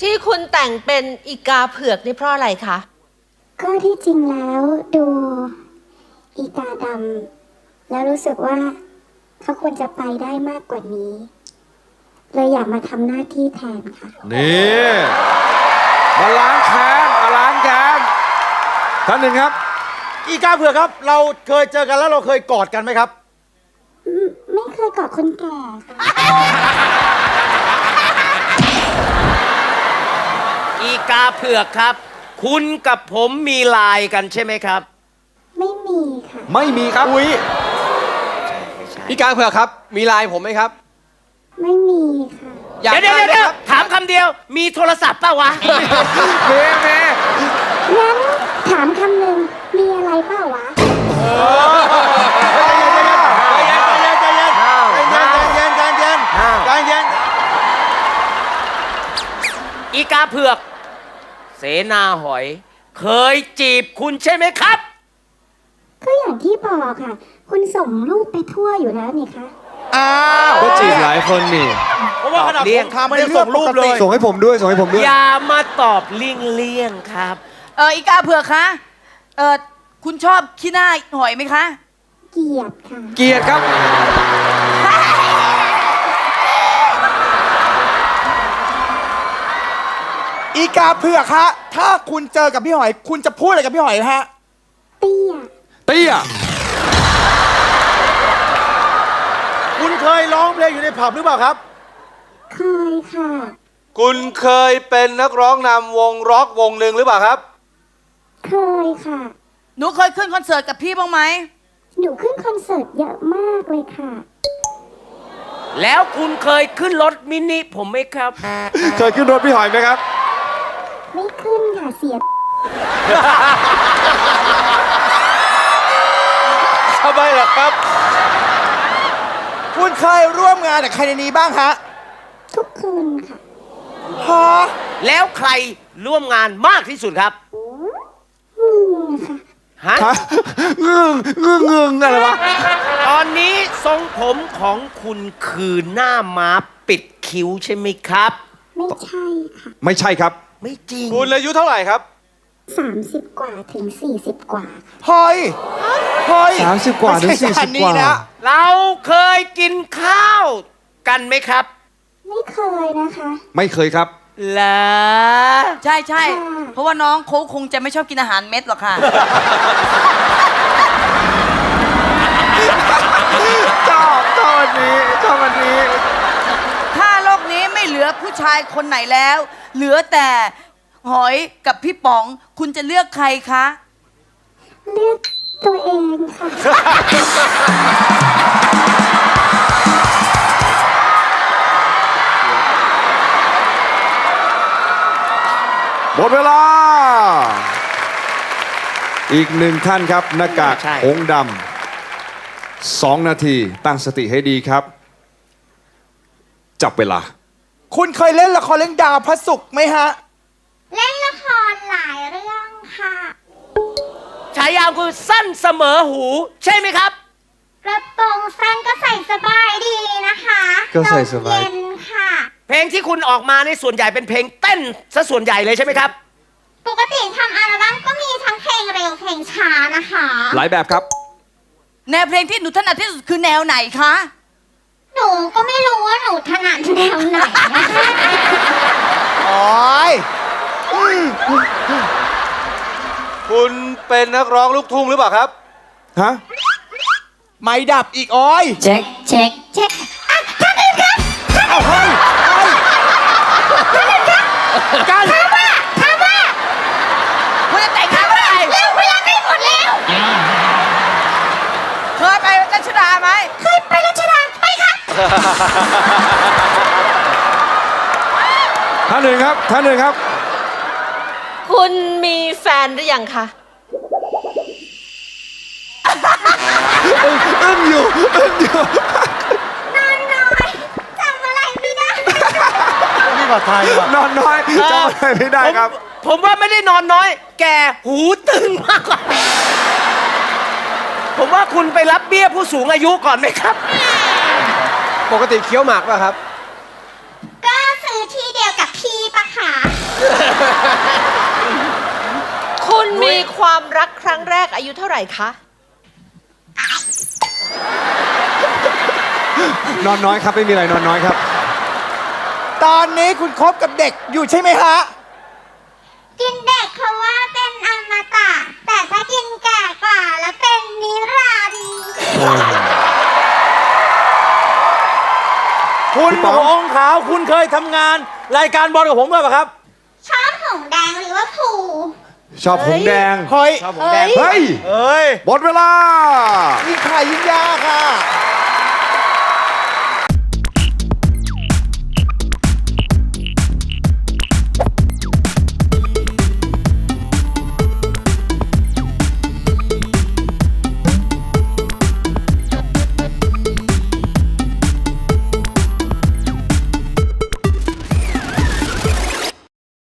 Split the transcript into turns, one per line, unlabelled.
ที่คุณแต่งเป็นอีกาเผือกนี่เพราะอะไรคะ
ก็ที่จริงแล้วดูอีกาดำแล้วรู้สึกว่าเขาควรจะไปได้มากกว่านี้เลยอยากมาทำหน้าที่แทนค่ะ
นี่มาล้างแค้นมาล้างแค้นท่านหนึ่งครับ
อีกาเผือกครับเราเคยเจอกันแล้วเราเคยกอดกันไหมครับ
ไม่เคยกอดคนแก่ค่ะ
อีกาเผือกครับคุณกับผมมีไลน์กันใช่ไหมครับ
ไม่มีค่ะ
ไม่มีครับ
อุ้ย
อีกาเผือกครับมีไลน์ผมไหมครับ
ไม่มีค่ะ
เดี๋ยวถามคำเดียวมีโทรศัพท์ป่าวะ
เมย์
งั้นถามคำหนึ่งมีอะไรเปล่าวะ
อีกาเผือกเสนาหอยเคยจีบคุณใช่ไหมครับ
ก็อย่างที่บอกค่ะคุณส่งรูปไปทั่วอยู่แล้วนี่คะ
ก็จีบหลายคนนี่
เพราะว่าขนาดผมทำไม่ได้ส่งรูปเลย
ส่งให้ผมด้วย
อย่ามาตอบเลี่ยงครับ
อีกาเผือกคะคุณชอบขี้หน้าหอยไหมคะ
เกลียดค่ะ
เกลียดครับ
อีกาเผือกฮะถ้าคุณเจอกับพี่หอยคุณจะพูดอะไรกับพี่หอยฮะ
เตี้ย
คุณเคยร้องเพลงอยู่ในผับหรือเปล่าครับ
เคยค่ะ
คุณเคยเป็นนักร้องนำวงร็อกวงหนึ่งหรือเปล่าครับ
เคยค่ะ
หนูเคยขึ้นคอนเสิร์ตกับพี่บ้างไหม
หนูขึ้นคอนเสิร์ตเยอะมากเลยค่ะ
แล้วคุณเคยขึ้นรถมินิผมไหมครับ
เคยขึ้นรถพี่หอยไหมครับ
ไม่ขึ้นค่ะเสีย
ทำไมล่ะครับคุณเคยร่วมงานกับใครในนี้บ้างฮะ
ทุกคืนค่ะ
ฮะ
แล้วใครร่วมงานมากที่สุดครับ
ค่ะ
ฮะ
งึงอะไรวะ
ตอนนี้ทรงผมของคุณคือหน้าม้าปิดคิ้วใช่ไหมครับ
ไม่ใช่ค่ะ
ไม่ใช่ครับ
ไม่จริง
คุณอายุเท่าไหร่ครับ
30 กว่าถึง40 กว่า
เฮ้ย
30 กว่าถึง40 กว่า
เราเคยกินข้าวกันไหมครับ
ไม่เคยนะคะ
ไม่เคยครับ
เหรอ
ใช่เพราะว่าน้องเขาคงจะไม่ชอบกินอาหารเม็ดหรอกค่ะ
ชอบวันนี้
ถ้าโลกนี้ไม่เหลือผู้ชายคนไหนแล้ว เหลือแต่หอยกับพี่ป๋องคุณจะเลือกใครคะ
เลือกตัวเองค่ะ
หมดเวลาอีกหนึ่งท่านครับหน้ากากหงดำ2 นาทีตั้งสติให้ดีครับจับเวลา
คุณเคยเล่นละครเรื่องดาวพระศุกร์ไหมฮะ
เล่นละครหลายเรื่องค่ะ
ฉายาคือสั้นเสมอหูใช่ไหมครับ
กระโปรงสั้นก็ใส่สบายดีนะคะ
ก็ใส่สบาย
เย็นค่ะ
เพลงที่คุณออกมาในส่วนใหญ่เป็นเพลงเต้นซะส่วนใหญ่เลยใช่ไหมครับ
ปกติทำอัลบั้มก็มีทั้งเพลงเร็วเพลงช้านะคะ
หลายแบบครับ
แนวเพลงที่หนูถนัดที่สุดคือแนวไหนคะ
หนูก็ไม่รู้ว่าหนูถนัดแนวไหนนะคะ
โอ้ย
คุณเป็นนักร้องลูกทุ่งหรือเปล่าครับฮะ
ไม่ดับอีกโอ้ย
เช็คท่านอื่นครับ
เอาเฮ้ย
กันถามว่า
คุณจะแต่งงานเมื่อไหร่
เร็วเวลาใกล้หมดแล้ว
เคยไปรัชดาไหม
เคยไปรัชดาไปครับ
ท่านหนึ่งครับ
คุณมีแฟนหรือยังคะ
อึ้งอยู่
นอนน้อยจำอะไรไม่ได้
นี่ภาษาไทย
นอนน้อยจำอะไรไม่ได้ครับ
ผมว่าไม่ได้นอนน้อยแกหูตึงมากกว่าผมว่าคุณไปรับเบี้ยผู้สูงอายุก่อนไหมครับ
ปกติเคี้ยวหมากป่ะครับ
ก็ซื้อที่เดียวกับพี่ปะคะ
คุณมีความรักครั้งแรกอายุเท่าไหร่คะ
นอนน้อยครับไม่มีอะไรนอนน้อยครับ
ตอนนี้คุณคบกับเด็กอยู่ใช่ไหมฮะ
กินเด็กเขาว่าเป็นอมตะ แต่ถ้ากินแก่กว่าแล้วเป็นนิรันดร์
คุณ
พี่ป๋อง
หงขาวคุณเคยทำงานรายการบอลกับผมด้วยป่ะครับ
ชอบหงแดงหรือว่าผู
ชอบหงส์แดง
เฮ้ย
ชอบผมแดง
เฮ้ย
เอ้ย
หมดเวลา
นี่ใครยิ่งยากค่ะ